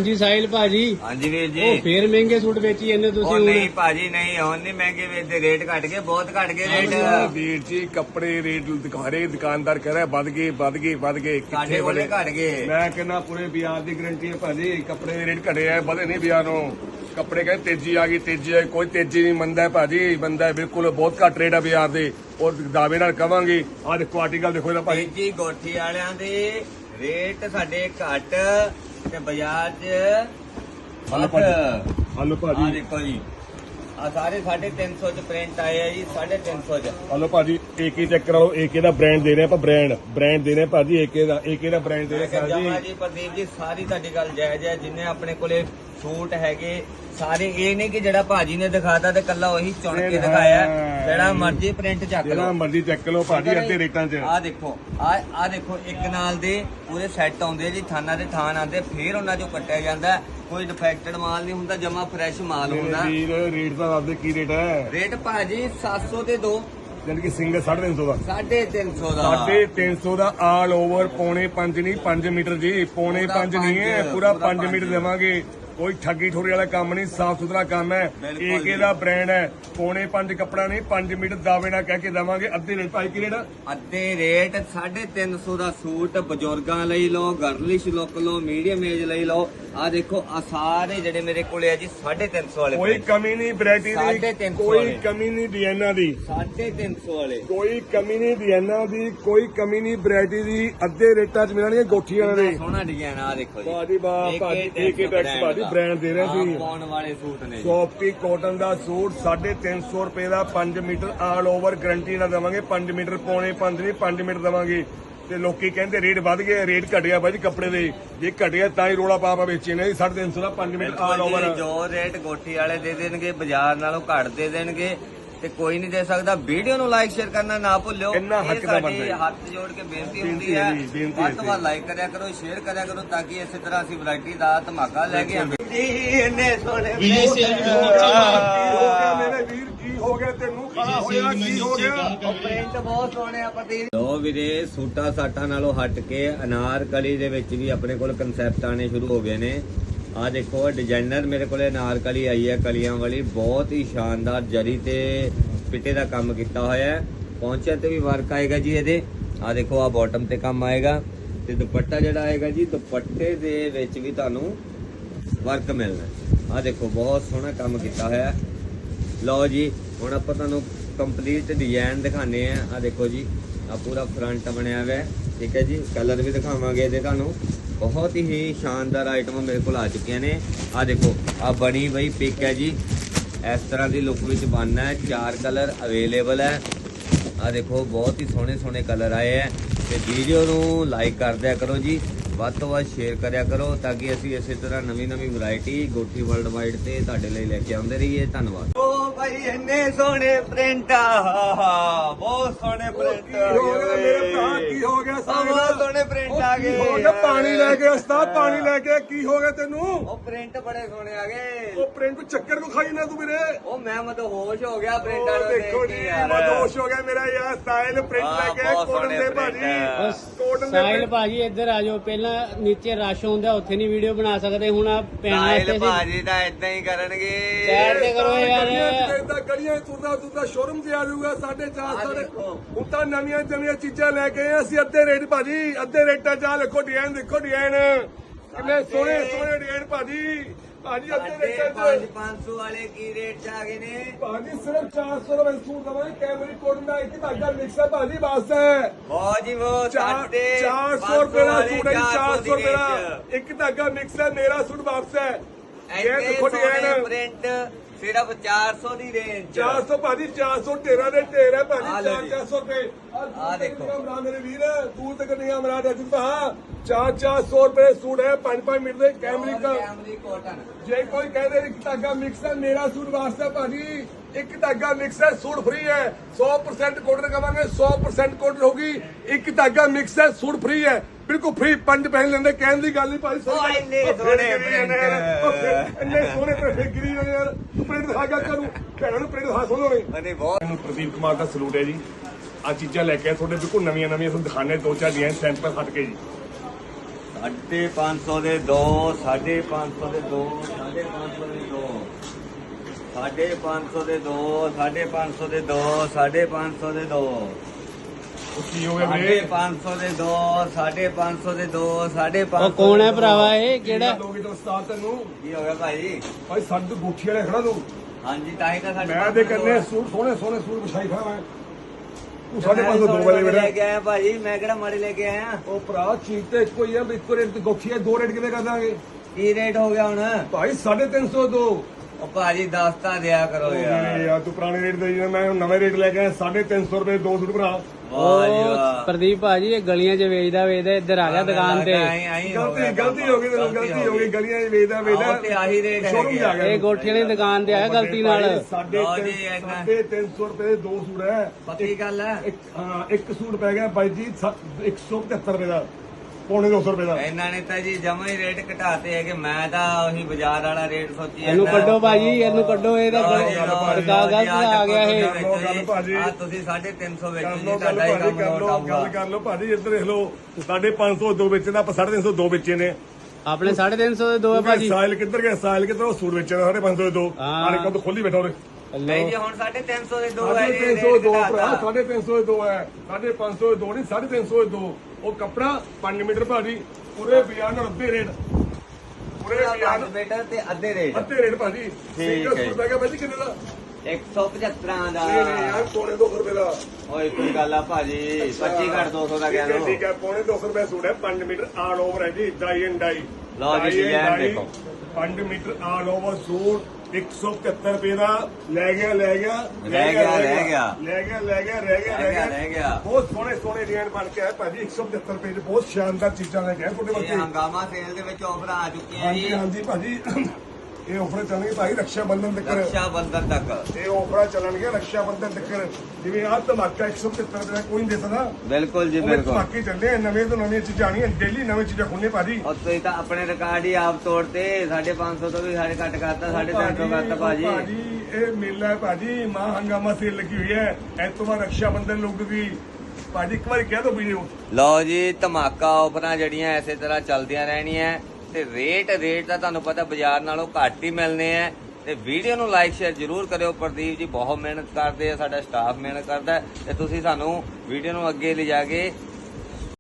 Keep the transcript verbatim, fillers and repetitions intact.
ਹਾਂਜੀ ਸਾਹਿਲ ਭਾਜੀ। ਹਾਂਜੀ ਵੀਰ ਜੀ। ਉਹ ਫੇਰ ਮਹਿੰਗੇ ਸੂਟ ਵੇਚੀ ਜਾਂਦੇ ਤੁਸੀਂ। ਨਹੀਂ ਭਾਜੀ ਨਹੀਂ, ਹੁਣ ਨਹੀਂ ਮਹਿੰਗੇ ਵੇਚਦੇ, ਰੇਟ ਘਟ ਗਏ, ਬਹੁਤ ਘਟ ਗਏ ਰੇਟ। ਵੀਰ ਜੀ ਕੱਪੜੇ ਰੇਟ ਦਿਖਾ ਰਹੇ, ਦੁਕਾਨਦਾਰ ਕਹਿ ਰਿਹਾ ਵੱਧ ਗਏ ਵੱਧ ਗਏ ਵੱਧ ਗਏ। ਸਾਡੇ ਕੋਲੇ ਘਟ ਗਏ। ਮੈਂ ਕਹਿੰਦਾ ਪੂਰੇ ਬਾਜ਼ਾਰ ਦੀ ਗਰੰਟੀ ਹੈ ਭਾਜੀ, ਕੱਪੜੇ ਦੇ ਰੇਟ ਘਟੇ ਆ, ਵਧੇ ਨਹੀਂ ਬਾਜ਼ਾਰ ਨੂੰ। ਕੱਪੜੇ ਕਹਿੰਦੇ ਤੇਜ਼ੀ ਆ ਗਈ, ਤੇਜ਼ੀ ਆ ਗਈ, ਕੋਈ ਤੇਜ਼ੀ ਨਹੀਂ। ਮੰਦਾ ਭਾਜੀ, ਬੰਦਾ ਬਿਲਕੁਲ ਬਹੁਤ ਘੱਟ ਰੇਟ ਆ ਬਾਜ਼ਾਰ ਦੇ, ਔਰ ਦਾਅਵੇ ਨਾਲ ਕਵਾਂਗੇ। ਆਹ ਦੇਖੋ ਆਰਟੀਕਲ ਦੇਖੋ ਇਹਦਾ ਭਾਜੀ। ਜੀ ਗੋਠੀ ਵਾਲਿਆਂ ਦੇ ਰੇਟ ਸਾਡੇ ਘੱਟ ਤੇ ਬਾਜ਼ਾਰ 'ਚ ਹਲੋ ਭਾਜੀ, ਹਲੋ ਭਾਜੀ, ਆ ਦੇਖੋ ਜੀ, ਆ ਸਾਰੇ ਸਾਢੇ ਤਿੰਨ ਸੌ ਚ ਪ੍ਰਿੰਟ ਆਏ ਆ ਜੀ, ਸਾਢੇ ਤਿੰਨ ਸੌ ਚ। ਹਲੋ ਭਾਜੀ, ਏਕੇ ਚੈੱਕ ਕਰਾਓ, ਏਕੇ ਦਾ ਬ੍ਰਾਂਡ ਦੇ ਰਹੇ ਆਪਾਂ, ਬ੍ਰਾਂਡ ਬ੍ਰਾਂਡ ਦੇ ਰਹੇ ਭਾਜੀ, ਏਕੇ ਦਾ ਏਕੇ ਦਾ ਬ੍ਰਾਂਡ ਦੇ ਰਹੇ ਜਮਾ ਜੀ। ਪ੍ਰਦੀਪ ਜੀ ਸਾਰੀ ਤੁਹਾਡੀ ਗੱਲ ਜਾਇਜ਼ ਹੈ। ਜਿੰਨੇ ਆਪਣੇ ਕੋਲੇ ਸੂਟ ਹੈਗੇ ਸਾਰੇ, ਇਹ ਨਹੀਂ ਕਿ ਜਿਹੜਾ ਭਾਜੀ ਨੇ ਦਿਖਾਤਾ ਤੇ ਕੱਲਾ ਉਹੀ ਚੁਣ ਕੇ ਦਿਖਾਇਆ। ਜਿਹੜਾ ਮਰਜ਼ੀ ਪ੍ਰਿੰਟ ਚੱਕ ਲਓ, ਜਿਹੜਾ ਮਰਜ਼ੀ ਚੱਕ ਲਓ ਭਾਜੀ, ਅੱਧੇ ਰੇਟਾਂ 'ਚ। ਆ ਦੇਖੋ, ਆ ਆ ਦੇਖੋ, ਇੱਕ ਨਾਲ ਦੇ ਪੂਰੇ ਸੈੱਟ ਆਉਂਦੇ ਜੀ, ਥਾਨਾਂ ਦੇ ਥਾਨ ਆਉਂਦੇ, ਫੇਰ ਉਹਨਾਂ ਚੋਂ ਕੱਟਿਆ ਜਾਂਦਾ। ਕੋਈ ਡਿਫੈਕਟਡ ਮਾਲ ਨਹੀਂ ਹੁੰਦਾ, ਜਮਾ ਫਰੈਸ਼ ਮਾਲ ਹੁੰਦਾ। ਵੀਰ ਰੇਟ ਦਾ ਦੱਸ ਦੇ ਕੀ ਰੇਟ ਹੈ? ਰੇਟ ਭਾਜੀ ਸੱਤ ਸੌ ਤੇ ਦੋ, ਯਾਨੀ ਕਿ ਸਿੰਗਲ ਸਾਢੇ ਤਿੰਨ ਸੌ ਦਾ, ਸਾਢੇ ਤਿੰਨ ਸੌ ਦਾ, ਸਾਢੇ ਤਿੰਨ ਸੌ ਦਾ ਆਲ ਓਵਰ। ਪੌਣੇ ਪੰਜ ਨਹੀਂ, ਪੰਜ ਮੀਟਰ ਜੀ, ਪੌਣੇ ਪੰਜ ਨਹੀਂ ਹੈ, ਪੂਰਾ ਪੰਜ ਮੀਟਰ ਦੇਵਾਂਗੇ। ਕੋਈ ਠੱਗੀ ਠੋਰੀ ਵਾਲਾ ਕੰਮ ਨਹੀਂ, ਸਾਫ ਸੁਥਰਾ ਕੰਮ ਹੈ। ਏਕੇ ਦਾ ਬ੍ਰਾਂਡ ਹੈ, ਪੌਣੇ ਪੰਜ ਕੱਪੜਾ ਨਹੀਂ, ਪੰਜ ਮੀਟਰ ਦਾਅਵੇ ਨਾਲ ਕਹਿ ਕੇ ਦੇਵਾਂਗੇ। ਅੱਧੇ ਰੇਟ ਭਾਈ ਕੀ ਰੇਟ? ਅੱਧੇ ਰੇਟ ਸਾਢੇ ਤਿੰਨ ਸੌ ਦਾ ਸੂਟ। ਬਜ਼ੁਰਗਾਂ ਲਈ ਲਓ, ਗਰਲਿਸ਼ ਲੁੱਕ ਲਓ, ਮੀਡੀਅਮ ਏਜ ਲਈ ਲਓ। ਆ ਦੇਖੋ, ਆ ਸਾਰੇ ਜਿਹੜੇ ਮੇਰੇ ਕੋਲੇ ਆ ਜੀ ਸਾਢੇ ਤਿੰਨ ਸੌ ਵਾਲੇ, ਕੋਈ ਕਮੀ ਨਹੀਂ ਵੈਰਾਈਟੀ ਦੀ, ਕੋਈ ਕਮੀ ਨਹੀਂ ਡਿਜ਼ਾਈਨਾਂ ਦੀ, ਸਾਢੇ ਤਿੰਨ ਸੌ ਵਾਲੇ, ਕੋਈ ਕਮੀ ਨਹੀਂ ਡਿਜ਼ਾਈਨਾਂ ਦੀ, ਕੋਈ ਕਮੀ ਨਹੀਂ ਵੈਰਾਈਟੀ ਦੀ। ਅੱਧੇ ਰੇਟਾਂ 'ਚ ਮਿਲਣਗੇ ਗੋਠੀ ਵਾਲੇ ਦੇ। ਸੋਹਣਾ ਡਿਜ਼ਾਈਨ ਆ ਦੇਖੋ ਜੀ, ਭਾਜੀ ਵਾਹ ਭਾਜੀ, ਏਕੇ ਟੈਕਸ ਭਾਜੀ ਬ੍ਰਾਂਡ ਦੇ ਰਹੇ ਸੀ। ਪਾਉਣ ਵਾਲੇ ਸੂਟ ਨੇ, ਸੌਫਟੀ ਕਾਟਨ ਦਾ ਸੂਟ ਸਾਢੇ ਤਿੰਨ ਸੌ ਰੁਪਏ ਦਾ, ਪੰਜ ਮੀਟਰ ਆਲ ਓਵਰ ਗਰੰਟੀ ਨਾਲ ਦੇਵਾਂਗੇ। ਪੰਜ ਮੀਟਰ ਪੌਣੇ ਪੰਜ ਨਹੀਂ, ਪੰਜ ਮੀਟਰ ਦੇਵਾਂਗੇ। ਤੇ ਲੋਕੀ ਕਹਿੰਦੇ ਰੇਟ ਵੱਧ ਗਏ, ਰੇਟ ਘਟਿਆ ਭਾਜੀ ਕੱਪੜੇ ਦੇ। ਜੇ ਘਟਿਆ ਤਾਂ ਹੀ ਰੋਲਾ ਪਾ ਪਾ ਵੇਚੇ ਨੇ। ਸਾਢੇ ਤਿੰਨ ਸੌ ਦਾ ਪੰਜ ਮੀਟਰ ਆਲ ਓਵਰ। ਜੋ ਰੇਟ ਗੋਠੀ ਵਾਲੇ ਦੇ ਦੇਣਗੇ ਬਾਜ਼ਾਰ ਨਾਲੋਂ ਘੱਟ ਦੇ ਦੇਣਗੇ ਤੇ ਕੋਈ ਨਹੀਂ ਦੇ ਸਕਦਾ। ਵੀਡੀਓ ਨੂੰ ਲਾਈਕ ਸ਼ੇਅਰ ਕਰਨਾ ਨਾ ਭੁੱਲਿਓ। ਇੰਨਾ ਹੱਕ ਦਾ ਬਣਦਾ ਹੈ। ਹੱਥ ਜੋੜ ਕੇ ਬੇਨਤੀ ਹੁੰਦੀ ਹੈ, ਵੱਧ ਤੋਂ ਵੱਧ ਲਾਈਕ ਕਰਿਆ ਕਰੋ, ਸ਼ੇਅਰ ਕਰਿਆ ਕਰੋ, ਤਾਂ ਕਿ ਇਸੇ ਤਰ੍ਹਾਂ ਅਸੀਂ ਵੈਰਾਈਟੀ ਦਾ ਧਮਾਕਾ ਲੈ ਕੇ ਆਵਾਂਗੇ ਜੀ। ਇੰਨੇ ਸੋਹਣੇ ਮੇਰੇ ਵੀਰ, ਕੀ ਹੋ ਗਿਆ ਤੈਨੂੰ? ਖੜਾ ਹੋਇਆ ਕੀ ਹੋ ਗਿਆ? ਪ੍ਰਿੰਟ ਬਹੁਤ ਸੋਹਣੇ ਆ ਪ੍ਰਦੀਪ। ਲੋ ਵੀਰੇ, ਸੂਟਾ ਸਾਟਾਂ ਨਾਲੋਂ ਹਟ ਕੇ ਅਨਾਰਕਲੀ ਦੇ ਵਿੱਚ ਵੀ ਆਪਣੇ ਕੋਲ ਕਨਸੈਪਟ ਆਣੇ ਸ਼ੁਰੂ ਹੋ ਗਏ ਨੇ। ਆ ਦੇਖੋ, ਡਿਜ਼ਾਈਨਰ ਮੇਰੇ ਕੋਲੇ ਅਨਾਰਕਲੀ ਆਈ ਹੈ, ਕਲੀਆਂ ਵਾਲੀ, ਬਹੁਤ ਹੀ ਸ਼ਾਨਦਾਰ ਜਰੀ ਤੇ ਪਿੱਟੇ ਦਾ ਕੰਮ ਕੀਤਾ ਹੋਇਆ ਹੈ। ਪਹੁੰਚਿਆ ਤੇ ਵੀ ਵਰਕ ਆਏਗਾ ਜੀ ਇਹਦੇ। ਆ ਦੇਖੋ, ਆ ਬਾਟਮ ਤੇ ਕੰਮ ਆਏਗਾ ਤੇ ਦੁਪੱਟਾ ਜਿਹੜਾ ਆਏਗਾ ਜੀ, ਦੁਪੱਟੇ ਦੇ ਵਿੱਚ ਵੀ ਤੁਹਾਨੂੰ ਵਰਕ ਮਿਲਣਾ। ਆ ਦੇਖੋ, ਬਹੁਤ ਸੋਹਣਾ ਕੰਮ ਕੀਤਾ ਹੋਇਆ। ਲਓ ਜੀ, ਹੁਣ ਆਪਾਂ ਤੁਹਾਨੂੰ ਕੰਪਲੀਟ ਡਿਜ਼ਾਈਨ ਦਿਖਾਣੇ ਆ। ਆ ਦੇਖੋ ਜੀ, ਆ ਪੂਰਾ ਫਰੰਟ ਬਣਿਆ ਹੋਇਆ, ਠੀਕ ਹੈ ਜੀ। ਕਲਰ ਵੀ ਦਿਖਾਵਾਂਗੇ ਇਹਦੇ ਤੁਹਾਨੂੰ। ਬਹੁਤ ਹੀ ਸ਼ਾਨਦਾਰ ਆਈਟਮਾਂ ਮੇਰੇ ਕੋਲ ਆ ਚੁੱਕੀਆਂ ਨੇ। ਆ ਦੇਖੋ, ਆ ਬਣੀ ਬਈ ਪਿਕ ਹੈ ਜੀ, ਇਸ ਤਰ੍ਹਾਂ ਦੀ ਲੁੱਕ ਵਿੱਚ ਬਣਨਾ ਹੈ। ਚਾਰ ਕਲਰ ਅਵੇਲੇਬਲ ਹੈ। ਆ ਦੇਖੋ, ਬਹੁਤ ਹੀ ਸੋਹਣੇ ਸੋਹਣੇ ਕਲਰ ਆਏ ਹੈ। ਤੇ ਵੀਡੀਓ ਨੂੰ ਲਾਈਕ ਕਰ ਦਿਆ ਕਰੋ ਜੀ, ਵੱਧ ਤੋਂ ਵੱਧ ਸ਼ੇਅਰ ਕਰਿਆ ਕਰੋ, ਤਾਂ ਕਿ ਅਸੀਂ ਇਸੇ ਤਰ੍ਹਾਂ ਨਵੀਂ ਨਵੀਂ ਵੈਰਾਈਟੀ ਗੋਠੀ ਵਰਲਡ ਵਾਈਡ ਤੇ ਤੁਹਾਡੇ ਲਈ ਲੈ ਕੇ ਆਉਂਦੇ ਰਹੀਏ। ਧੰਨਵਾਦ। ਓ ਭਾਈ, ਇੰਨੇ ਸੋਹਣੇ ਪ੍ਰਿੰਟ ਆ, ਬਹੁਤ ਸੋਹਣੇ ਪ੍ਰਿੰਟ ਕੀ ਹੋ ਗਿਆ ਮੇਰੇ ਭਰਾ? ਕੀ ਹੋ ਗਿਆ? ਬਹੁਤ ਸੋਹਣੇ ਪ੍ਰਿੰਟ ਆ ਗਏ। ਹੋ ਗਿਆ ਪਾਣੀ ਲੈ ਕੇ ਉਸਤਾਦ, ਪਾਣੀ ਲੈ ਕੇ। ਕੀ ਹੋ ਗਿਆ ਤੈਨੂੰ? ਉਹ ਪ੍ਰਿੰਟ ਬੜੇ ਸੋਹਣੇ ਆ ਗਏ। ਉਹ ਪ੍ਰਿੰਟ ਨੂੰ ਚੱਕਰ ਕੋ ਖਾਈ ਨਾ ਤੂੰ ਮੇਰੇ? ਉਹ ਮੈਂ ਮਦਹੋਸ਼ ਹੋ ਗਿਆ ਪ੍ਰਿੰਟਾਂ ਨੂੰ ਦੇਖੋ ਜੀ, ਮਦਹੋਸ਼ ਹੋ ਗਿਆ ਮੇਰਾ ਯਾਰ। ਸਟਾਈਲ ਪ੍ਰਿੰਟ ਲੈ ਕੇ ਕੋਟਨ ਦੇ ਭਾਜੀ, ਕੋਟਨ ਦੇ ਸਾਹਿਲ ਭਾਜੀ ਇੱਧਰ ਆ ਜਾਓ। ਪਹਿਲਾਂ ਨੀਚੇ ਰਸ਼ ਹੁੰਦਾ, ਉੱਥੇ ਨਹੀਂ ਵੀਡੀਓ ਬਣਾ ਸਕਦੇ। ਹੁਣ ਆ ਪੈਣਾ ਇੱਥੇ ਭਾਜੀ ਤਾਂ ਇਦਾਂ ਹੀ ਕਰਨਗੇ। ਸਾਈਡ ਤੇ ਕਰੋ ਯਾਰ। ਇਦਾਂ ਗਲੀਆਂ ਤੁਰਦਾ ਤੁਰਦਾ ਸ਼ੋਰੂਮ ਤੇ ਆ ਜਾਊਗਾ। ਸਾਢੇ ਚਾਰ ਸਾਢੇ ਹੁਣ ਤਾਂ ਨਵੀਆਂ ਨਵੀਆਂ ਚੀਜ਼ਾਂ ਲੈ ਕੇ ਆਏ ਅਸੀਂ। ਅੱਧੇ ਰੇਟ ਭਾਜੀ, ਅੱਧੇ ਰੇਟਾਂ ਚ। ਦੇਖੋ ਡਿਜ਼ਾਈਨ, ਦੇਖੋ ਡਿਜ਼ਾਈਨ, ਕਿੰਨੇ ਸੋਹਣੇ ਸੋਹਣੇ ਡਿਜ਼ਾਈਨ ਭਾਜੀ। ਭਾਜੀ ਅੱਧੇ ਰੇਟਾਂ ਚ ਪੰਜ ਸੌ ਵਾਲੇ ਕੀ ਰੇਟ ਚ ਆ ਗਏ ਨੇ ਭਾਜੀ? ਸਿਰਫ ਚਾਰ ਸੌ ਰੁਪਏ ਸੂਟ ਦਵਾਂਗੇ। ਕੈਮਰੀ ਕੋਟਨ ਦਾ ਇੱਕ ਧਾਗਾ ਮਿਕਸ ਹੈ ਭਾਜੀ, ਬਸ ਹੈ। ਬਹੁਤ ਜੀ, ਉਹ ਚਾਰ ਸੌ ਰੁਪਏ ਦਾ ਸੂਟ ਹੈ, ਚਾਰ ਸੌ ਰੁਪਏ ਦਾ ਇੱਕ ਧਾਗਾ ਮਿਕਸ ਹੈ। ਮੇਰਾ ਸੂਟ ਵਾਪਸ ਹੈ। ਇਹ ਦੇਖੋ ਡਿਜ਼ਾਈਨ, ਪ੍ਰਿੰਟ ਸਿਰਫ ਚਾਰ ਸੌ ਦੀ ਰੇਂਜ। ਚਾਰ ਸੌ ਭਾਜੀ, ਚਾਰ ਸੌ ਢੇਰਾਂ ਦੇ ਢੇਰ ਹੈ ਭਾਜੀ। ਚਾਰ ਚਾਰ ਸੌ ਰੁਪਏ ਆ ਦੇਖੋ ਮੇਰੇ ਵੀਰ, ਦੂਰ ਤੱਕ ਨਹੀਂ ਅਮਰਾ ਦੇ ਹਾਂ। ਚਾਰ ਚਾਰ ਸੌ ਰੁਪਏ ਸੂਟ ਹੈ, ਪੰਜ ਪੰਜ ਮੀਟਰ ਦੇ ਕੈਮਰੀ ਦਾ। ਜੇ ਕੋਈ ਕਹਿੰਦੇ ਇੱਕ ਧਾਗਾ ਮਿਕਸ ਹੈ, ਮੇਰਾ ਸੂਟ ਵਾਸਤੇ ਭਾਜੀ ਇੱਕ ਧਾਗਾ ਮਿਕਸ ਹੈ, ਸੂਟ ਫ੍ਰੀ ਹੈ। ਸੌ ਪ੍ਰਸੈਂਟ ਕੋਟਨ ਕਵਾਂਗੇ, ਸੌ ਪ੍ਰਸੈਂਟ ਕੋਟਨ ਹੋਗੀ। ਇੱਕ ਧਾਗਾ ਮਿਕਸ ਹੈ, ਸੂਟ ਫ੍ਰੀ ਹੈ, ਬਿਲਕੁਲ ਫ੍ਰੀ। ਪੰਜ ਪੈਸੇ ਲੈਂਦੇ, ਕਹਿਣ ਦੀ ਗੱਲ ਨਹੀਂ ਭਾਜੀ। ਇੰਨੇ ਸੋਹਣੇ ਪ੍ਰਿੰਟ, ਇੰਨੇ ਸੋਹਣੇ ਪ੍ਰਿੰਟ ਗਿਰੀ ਨੇ ਯਾਰ। ਤੂੰ ਪ੍ਰਿੰਟ ਦਿਖਾ ਗਿਆ ਕਰੂ, ਭੈਣਾਂ ਨੂੰ ਪ੍ਰਿੰਟ ਦਿਖਾ ਸੋਹਣੇ। ਅਰੇ ਬਹੁਤ। ਮੈਨੂੰ ਪ੍ਰਦੀਪ ਕੁਮਾਰ ਦਾ ਸਲੂਟ ਹੈ ਜੀ। ਆ ਚੀਜ਼ਾਂ ਲੈ ਕੇ ਤੁਹਾਡੇ ਬਿਲਕੁਲ ਨਵੀਆਂ ਨਵੀਆਂ ਤੁਹਾਨੂੰ ਦਿਖਾਣੇ, ਦੋ ਚਾਰ ਡਿਜ਼ਾਈਨ ਸੈਂਪਲ ਹਟ ਕੇ ਜੀ। ਅੱਡੇ ਪੰਜ ਸੌ ਦੇ ਦੋ, ਸਾਢੇ ਪੰਜ ਸੌ ਦੇ ਦੋ, ਸਾਢੇ ਪੰਜ ਸੌ ਦੇ ਦੋ, ਸਾਢੇ ਪੰਜ ਸੌ ਦੇ ਦੋ, ਸਾਢੇ ਪੰਜ ਸੌ ਦੇ ਦੋ, ਸਾਢੇ ਪੰਜ ਸੌ ਦੇ ਦੋ, ਉਹ ਕੀ ਹੋ ਗਿਆ ਸਾਢੇ ਵੀਰੇ? ਪੰਜ ਸੌ ਦੇ ਦੋ, ਸਾਢੇ ਪੰਜ ਸੌ ਦੇ ਦੋ, ਸਾਢੇ ਪੰਜ ਉਹ ਸੌ ਕੌਣ ਦੇ ਹੈ ਦੋ। ਭਰਾਵਾ ਇਹ ਕਿਹੜਾ? ਲੋਗੇ ਤਾਂ ਉਸਤਾਦ ਤੈਨੂੰ ਕੀ ਹੋ ਗਿਆ ਭਾਈ? ਭਾਈ ਸਾਡੇ ਗੁੱਠੀ ਵਾਲੇ ਖੜਾ ਤੂੰ। ਹਾਂਜੀ ਤਾਂ ਹੀ ਤਾਂ ਸਾਡੇ ਮੈਂ ਦੇ ਕੰਨੇ ਸੂਟ ਸੋਹਣੇ ਸੋਹਣੇ ਸੂਟ ਵਿਛਾਈ ਖੜਾ ਮੈਂ। ਤੂੰ ਸਾਢੇ ਮੈਂ ਪੰਜ ਸੌ ਦੋ ਵਾਲੇ ਲੈ ਬੇਟਾ। ਕੇ ਆਇਆ ਭਾਜੀ, ਮੈਂ ਕਿਹੜਾ ਮਾੜੇ ਲੈ ਕੇ ਆਇਆ। ਉਹ ਭਰਾ ਚੀਜ਼ ਤੇ ਇੱਕੋ ਹੀ ਆ ਵੀ ਇੱਕੋ ਰੇਟ ਤੇ ਗੁੱਠੀ ਹੈ, ਦੋ ਰੇਟ ਕਿਵੇਂ ਕਰ ਦਾਂਗੇ? ਕੀ ਰੇਟ ਹੋ ਗਿਆ ਹੁਣ? ਭਾਈ ਸਾਢੇ ਤਿੰਨ ਸੌ ਦੋ। ਉਹ ਭਾਜੀ ਦੱਸ ਤਾਂ ਦਿਆ ਕਰੋ ਯਾਰ। ਯਾਰ ਤੂੰ ਪੁਰਾਣੇ ਰੇਟ ਦੇ ਜੀ, ਮੈਂ ਹੁਣ ਨਵੇਂ ਰੇਟ ਲੈ ਕੇ ਆਇਆ ਸਾਢੇ ਤਿੰਨ ਸੌ ਰੁਪਏ ਦੋ ਸੂਟ ਭਰਾ। ਵਾਹ ਜੀ ਉਹ ਵਾਹ। ਪ੍ਰਦੀਪ ਭਾਜੀ ਇਹ ਗਲੀਆਂ 'ਚ ਵੇਚਦਾ ਵੇਚਦਾ ਇੱਧਰ ਆ ਗਿਆ ਦੁਕਾਨ ਤੇ। ਆਈ- ਆਈ ਹੋ ਗਿਆ ਗਲਤੀ ਗਲਤੀ ਹੋ ਗਈ ਤੈਨੂੰ, ਗਲਤੀ ਹੋ ਗਈ। ਗਲੀਆਂ 'ਚ ਵੇਚਦਾ ਵੇਚਦਾ ਆਹੋ ਤੇ ਆਹੀ ਰੇਟ ਸ਼ੋਰੂਮ 'ਚ ਆ ਗਿਆ। ਇਹ ਗੋਠੀ ਵਾਲੀ ਦੁਕਾਨ ਤੇ ਆਇਆ ਗਲਤੀ ਨਾਲ। ਸਾਢੇ ਲਓ ਜੀ, ਤਿੰਨ- ਇੰਨਾ। ਸਾਢੇ ਤਿੰਨ ਸੌ ਰੁਪਏ ਦੇ ਦੋ ਸੂਟ ਹੈ। ਪੱਕੀ ਗੱਲ ਹੈ। ਇੱਕ ਹਾਂ ਇੱਕ ਸੂਟ ਪੈ ਗਿਆ ਬਾਈ ਜੀ ਇੱਕ ਸੌ ਪਚੱਤਰ ਰੁਪਏ ਦਾ, ਪੌਣੇ ਦੋ ਸੌ ਰੁਪਏ ਦਾ। ਇਹਨਾਂ ਨੇ ਤਾਂ ਜੀ ਜਮਾ ਹੀ ਰੇਟ ਘਟਾਤੇ ਹੈਗੇ। ਮੈਂ ਤਾਂ ਉਹੀ ਬਾਜ਼ਾਰ ਵਾਲਾ ਰੇਟ ਸੋਚੀ ਇਹਨੂੰ ਕੱਢੋ ਭਾਜੀ, ਇਹਨੂੰ ਕੱਢੋ, ਇਹਦਾ ਗਲਤ ਆ ਗਿਆ ਇਹ। ਆ ਤੁਸੀਂ ਸਾਢੇ ਤਿੰਨ ਸੌ ਵਿੱਚ ਕਰ ਜੀ ਲੋ ਗੱਲ ਤੁਹਾਡਾ ਹੀ ਭਾਜੀ, ਕੰਮ ਕਰ ਲੋ ਲੋਟ ਗੱਲ ਆਊਗਾ। ਕਰ ਲੋ ਭਾਜੀ। ਇੱਧਰ ਦੇਖ ਲੋ ਸਾਢੇ ਪੰਜ ਸੌ ਦੋ ਵੇਚੇ ਦਾ, ਆਪਾਂ ਸਾਢੇ ਤਿੰਨ ਸੌ ਦੋ ਵੇਚੇ ਨੇ। ਆਪਣੇ ਸਾਢੇ ਤਿੰਨ ਸੌ ਦੇ ਦੋ ਹੈ ਭਾਜੀ। ਸਾਇਲ ਕਿੱਧਰ ਗਿਆ? ਸਾਇਲ ਕਿੱਧਰ? ਉਹ ਸੂਟ ਵੇਚੇ ਦਾ ਸਾਢੇ ਪੰਜ ਸੌ ਦੇ ਦੋ। ਹਾਂ। ਆਲੇ ਕਦੋਂ ਖੋਲੀ ਬੈਠਾ ਉਰੇ। ਨਹੀਂ ਜੀ ਹੁਣ ਸਾਢੇ ਤਿੰਨ ਸੌ ਦੇ ਦੋ ਹੈ ਸਾਢੇ ਜੀ ਤਿੰਨ ਸੌ ਰੇਟ ਦੋ ਭਰਾ, ਘਟਾਤਾ। ਸਾਢੇ ਤਿੰਨ ਸੌ ਦੇ ਦੋ ਹੈ। ਸਾਢੇ ਪੰਜ ਸੌ ਦੇ ਦੋ ਨਹੀਂ, ਸਾਢੇ ਤਿੰਨ ਸੌ ਦੇ ਦੋ। ਉਹ ਕੱਪੜਾ ਪੰਜ ਮੀਟਰ ਭਾਜੀ, ਪੂਰੇ ਬਿਆਨ ਨਾਲ ਅੱਧੇ ਰੇਟ। ਪੂਰੇ ਬਿਆਨ ਪੰਜ ਮੀਟਰ ਤੇ ਅੱਧੇ ਰੇਟ ਅੱਧੇ ਰੇਟ ਭਾਜੀ। ਸਿੰਗਲ ਹੈ। ਸੂਟ ਪੈ ਗਿਆ ਭਾਜੀ ਕਿੰਨੇ ਦਾ? ਇੱਕ ਸੌ ਪਚੱਤਰ ਦਾ। ਨਹੀਂ ਨਹੀਂ ਯਾਰ, ਪੌਣੇ ਦੋ ਸੌ ਰੁਪਏ ਦਾ। ਓਏ ਕੋਈ ਗੱਲ ਆ ਭਾਜੀ, ਪੱਚੀ ਘੱਟ ਦੋ ਸੌ ਦਾ ਠੀਕ ਕਹਿ ਹੈ, ਦੋ। ਠੀਕ ਹੈ, ਪੌਣੇ ਦੋ ਸੌ ਰੁਪਏ ਸੂਟ ਹੈ। ਪੰਜ ਮੀਟਰ ਆਲ ਓਵਰ ਹੈ ਜੀ, ਡਾਈ ਐਂਡ ਡਾਈ। ਲਓ ਜੀ, ਡਾਈ ਐਂਡ design ਡਾਈ, ਦੇਖੋ। ਪੰਜ ਮੀਟਰ ਆਲ ਓਵਰ ਸੂਟ ਇੱਕ ਸੌ ਪਚੱਤਰ ਰੁਪਏ ਦਾ। ਲੈ ਗਿਆ ਲੈ ਗਿਆ ਰਹਿ ਗਿਆ, ਰਹਿ ਗਿਆ। ਲੈ ਗਿਆ ਲੈ ਗਿਆ ਰਹਿ ਗਿਆ ਰਹਿ ਗਿਆ, ਰਹਿ ਗਿਆ। ਬਹੁਤ ਸੋਹਣੇ ਸੋਹਣੇ ਡਿਜ਼ਾਈਨ ਬਣ ਕੇ ਆਏ ਭਾਜੀ। ਇੱਕ ਸੌ ਪਚੱਤਰ ਰੁਪਏ ਦੇ ਬਹੁਤ ਸ਼ਾਨਦਾਰ ਚੀਜ਼ਾਂ ਲੈ ਕੇ ਆਏ ਤੁਹਾਡੇ ਇਹ ਵਾਸਤੇ। ਹੰਗਾਮਾ ਸੇਲ ਦੇ ਵਿੱਚ ਆਫਰਾਂ ਆ ਚੁੱਕੀਆਂ ਹਾਂਜੀ ਜੀ। ਹਾਂਜੀ ਭਾਜੀ, ਇਹ ਆਫਰ ਚੱਲਣਗੇ ਭਾਈ ਰਕਸ਼ਾ ਬੰਧਨ ਤੱਕ। ਰਕਸ਼ਾ ਬੰਧਨ ਤੱਕ। ਇਹ ਆਫਰਾਂ ਚੱਲਣਗੇ ਰਕਸ਼ਾ ਬੰਧਨ ਤੱਕ। ਜਿਵੇਂ ਆਹ ਧਮਾਕਾ ਇੱਕ ਸੌ ਪਚੱਤਰ ਰੁਪਏ ਦਾ ਕੋਈ ਨਹੀਂ ਦੇ ਸਕਦਾ। ਬਿਲਕੁਲ ਜੀ, ਉਹਨੇ ਬਿਲਕੁਲ। ਧਮਾਕੇ ਚੱਲਦੇ ਆ, ਨਵੇਂ ਤੋਂ ਨਵੀਆਂ ਚੀਜ਼ਾਂ ਆਣੀਆਂ, ਡੇਲੀ ਨਵੀਂ ਚੀਜ਼ਾਂ ਖੁੱਲ੍ਹਣੀਆਂ ਭਾਜੀ। ਉਹ ਤੁਸੀਂ ਤਾਂ ਆਪਣੇ ਰਿਕਾਰਡ ਹੀ ਆਪ ਤੋੜਤੇ। ਸਾਢੇ ਪੰਜ ਸੌ ਤੋਂ ਵੀ ਸਾਡੇ ਘੱਟ ਕਰਤਾ, ਸਾਢੇ ਤਿੰਨ ਸੌ ਕਰਤਾ ਭਾਜੀ। ਭਾਜੀ ਇਹ ਮੇਲਾ ਹੈ ਭਾਜੀ, ਮਾਂ ਹੰਗਾਮਾ ਸੇਲ ਲੱਗੀ ਹੋਈ ਹੈ। ਐਤੋਂ ਬਾਅਦ ਰਕਸ਼ਾ ਬੰਧਨ ਲੱਗੂਗੀ ਭਾਜੀ। ਇੱਕ ਵਾਰੀ ਕਹਿ ਦੋ ਵੀਡੀਓ। ਲਓ ਜੀ, ਧਮਾਕਾ ਆਫਰਾਂ ਜਿਹੜੀਆਂ ਐਸੇ ਤਰ੍ਹਾਂ ਚੱਲਦੀਆਂ ਰਹਿਣੀਆਂ ਤੇ ਰੇਟ ਰੇਟ ਤਾਂ ਤੁਹਾਨੂੰ ਪਤਾ ਬਾਜ਼ਾਰ ਨਾਲੋਂ ਘੱਟ ਹੀ ਮਿਲਨੇ ਆ। ਤੇ ਵੀਡੀਓ ਨੂੰ ਲਾਈਕ ਸ਼ੇਅਰ ਜ਼ਰੂਰ ਕਰਿਓ। ਪ੍ਰਦੀਪ ਜੀ ਬਹੁਤ ਮਿਹਨਤ ਕਰਦੇ ਆ, ਸਾਡਾ ਸਟਾਫ ਮਿਹਨਤ ਕਰਦਾ ਤੇ ਤੁਸੀਂ ਸਾਨੂੰ ਵੀਡੀਓ ਨੂੰ ਅੱਗੇ ਲਿਜਾ ਕੇ